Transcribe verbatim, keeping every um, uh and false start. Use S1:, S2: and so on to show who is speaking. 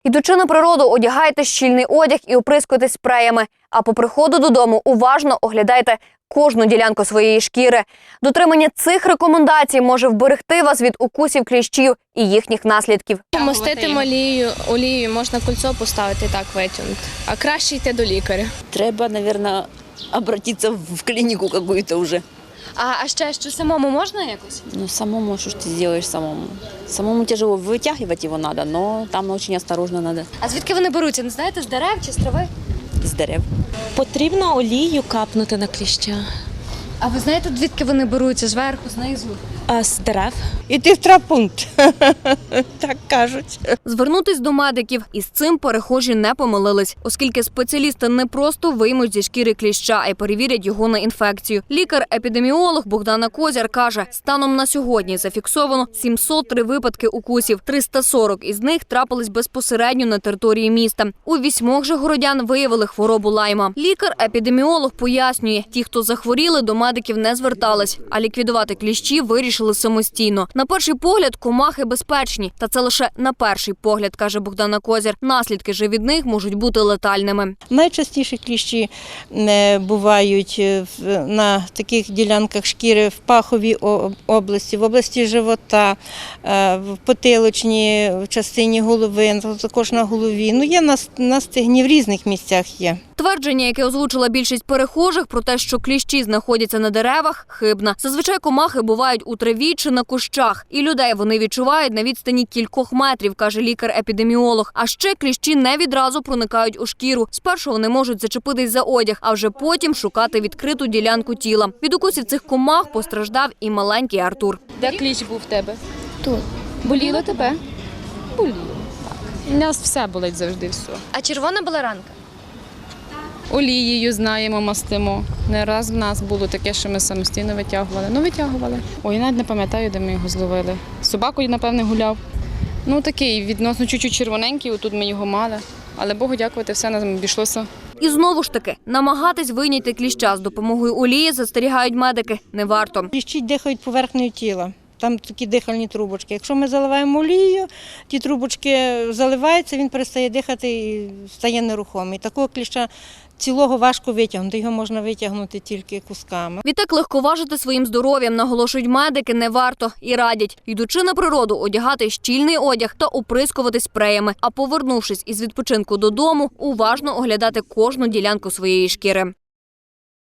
S1: Йдучи на природу, одягайте щільний одяг і оприскуйтесь спреями. А по приходу додому уважно оглядайте кожну ділянку своєї шкіри. Дотримання цих рекомендацій може вберегти вас від укусів кліщів і їхніх наслідків.
S2: Мастити олією, олією можна кольцо поставити, так витягнути. А краще йти до лікаря.
S3: Треба, мабуть, обратитися в клініку якусь вже.
S2: А, а ще що, самому можна якось?
S3: Ну, самому, що ж ти зробиш самому? Самому тяжело, витягувати його треба, але там дуже обережно треба.
S2: А звідки вони беруться, не знаєте, з дерев чи з трави?
S3: З дерев.
S4: Потрібно олію капнути на кліща.
S2: А ви знаєте, звідки вони беруться, зверху, знизу?
S4: А з дерев?
S5: Іти в травмпункт, так кажуть.
S1: Звернутись до медиків. Із цим перехожі не помилились, оскільки спеціалісти не просто виймуть зі шкіри кліща, а й перевірять його на інфекцію. Лікар-епідеміолог Богдана Козяр каже, станом на сьогодні зафіксовано сімсот три випадки укусів. триста сорок із них трапились безпосередньо на території міста. У вісьмох же городян виявили хворобу лайма. Лікар-епідеміолог пояснює, ті, хто захворіли, до медиків не звертались, а ліквідувати кліщі вирішили самостійно. На перший погляд комахи безпечні, та це лише на перший погляд, каже Богдана Козяр. Наслідки же від них можуть бути летальними.
S5: Найчастіше кліщі е, бувають е, в- на таких ділянках шкіри в паховій о- області, в області живота, е, в потилочній частині голови, також на голові. Ну, є на, с- на стегні, в різних місцях є.
S1: Твердження, яке озвучила більшість перехожих про те, що кліщі знаходяться на деревах, хибна. Зазвичай комахи бувають у траві чи на кущах. І людей вони відчувають на відстані кількох метрів, каже лікар-епідеміолог. А ще кліщі не відразу проникають у шкіру. Спершу вони можуть зачепитись за одяг, а вже потім шукати відкриту ділянку тіла. Від укусів цих комах постраждав і маленький Артур.
S2: Де кліщ був в тебе? Тут. Боліло тебе? Боліло. У нас все болить завжди, все. А червона була ранка?
S6: Олією знаємо, мастимо. Не раз в нас було таке, що ми самостійно витягували. Ну, витягували. Ой, я навіть не пам'ятаю, де ми його зловили. З собакою, напевне, гуляв. Ну, такий, відносно чуть-чуть червоненький, отут ми його мали. Але Богу дякувати, все нам обійшлося.
S1: І знову ж таки, намагатись вийняти кліща з допомогою олії, застерігають медики, не варто.
S5: Кліщі дихають поверхнею тіла. Там такі дихальні трубочки. Якщо ми заливаємо олією, ті трубочки заливаються, він перестає дихати і стає нерухомий. Такого кліща цілого важко витягнути, його можна витягнути тільки кусками.
S1: Відтак легковажити своїм здоров'ям, наголошують медики, не варто і радять, йдучи на природу, одягати щільний одяг та оприскувати спреями, а повернувшись із відпочинку додому, уважно оглядати кожну ділянку своєї шкіри.